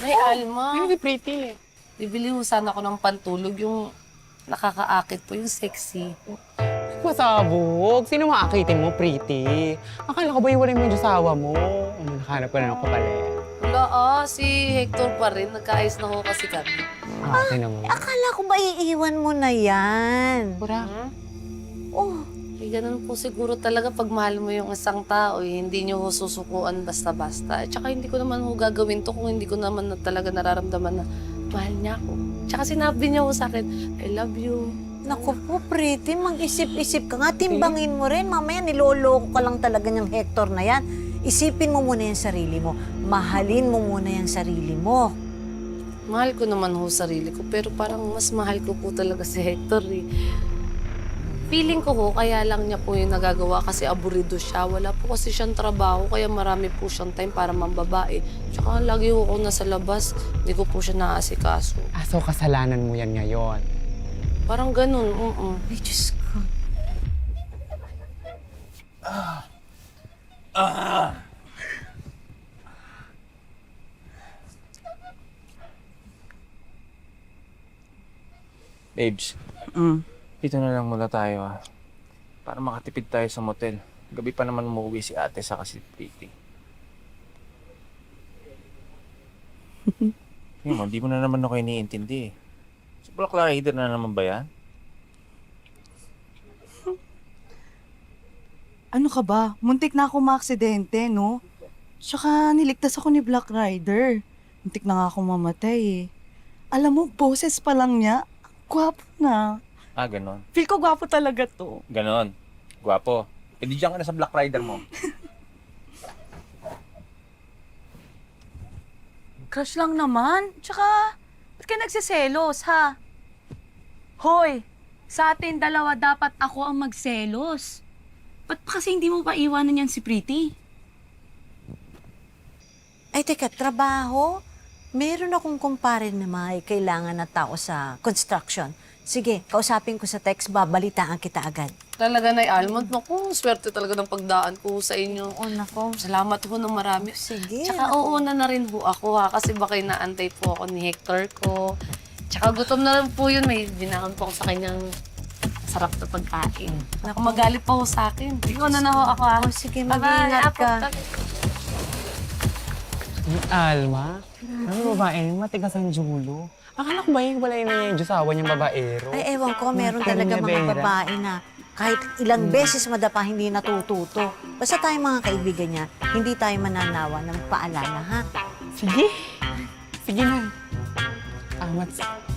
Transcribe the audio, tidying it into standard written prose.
Nay, Alma. Ay, pretty. Bibili mo sana ako ng pantulog, yung nakakaakit po, yung sexy. Pasabog. Sino maakitin mo, pretty? Akala ko ba iwalay mo yung asawa mo? Nakahanap ka na ng kapalit. Wala si Hector pa rin. Nagkaayos na ko kasi kami. Akin naman. Akala ko ba iiwan mo na yan? Pura. Oh, Ganun po siguro talaga pag mahal mo yung isang tao, hindi nyo susukuan basta-basta. Tsaka hindi ko naman ho gagawin to kung hindi ko naman talaga nararamdaman na mahal niya ako. Tsaka sinabi niya ho sa akin, I love you. naku po, pretty. Mag-isip-isip ka nga. Timbangin mo rin. Mamaya niloloko ka lang talaga ng Hector na yan. Isipin mo muna yung sarili mo. Mahalin mo muna yung sarili mo. Mahal ko naman ho sarili ko, pero parang mas mahal ko po talaga si Hector eh. Feeling ko ho, kaya lang niya po yung nagagawa kasi aburido siya. Wala po kasi siyang trabaho, kaya marami po siyang time para mambabae. Tsaka lagi ho ako nasa labas, hindi ko po siya naaasikaso. So kasalanan mo yan ngayon. Parang ganun, Ay, Diyos ko. Babes, dito na lang muna tayo para makatipid tayo sa motel. Gabi pa naman umuwi si ate sa si Pretty. Yun mo, di mo na naman ako iniintindi eh. Si Black Rider na naman ba yan? Ano ka ba? Muntik na ako maaksidente, no? Tsaka niligtas ako ni Black Rider. Muntik na nga ako mamatay eh. Alam mo, boses pa lang niya, gwapo na. Ah, ganon. Feel ko gwapo talaga to. Ganon. Gwapo. E di dyan ka na sa Black Rider mo. Crush lang naman. Tsaka, ba't ka nagsiselos, ha? Hoy, sa atin dalawa dapat ako ang magselos. Ba't pa kasi hindi mo pa iwanan yan si Pretty? Ay, teka, trabaho? Meron akong kumpare na may kailangan na tao sa construction. Sige, kausapin ko sa text, babalitaan kita agad. Talaga na Almond, naku, swerte talaga ng pagdaan ko sa inyo. Oo, nako. Salamat ho ng marami. Sige. Tsaka uuna na rin ho ako kasi baka inaantay po ako ni Hector ko. Tsaka gutom na rin po yun, may dinakon po ako sa kanyang sarap na pagkain. Naku, magalit pa ho sa akin. Ikaw na ho ako Oh, sige, mag-iingat ka. Alma? Ano babae? Matigas ang julo. Akala ko ba yung wala na yung asawa niyang babaero? Ay, ewan ko, meron talaga mga babae na kahit ilang beses madapa, hindi natututo. Basta tayong mga kaibigan niya, hindi tayo mananawa ng paalala, ha? Sige. Sige na. Mats,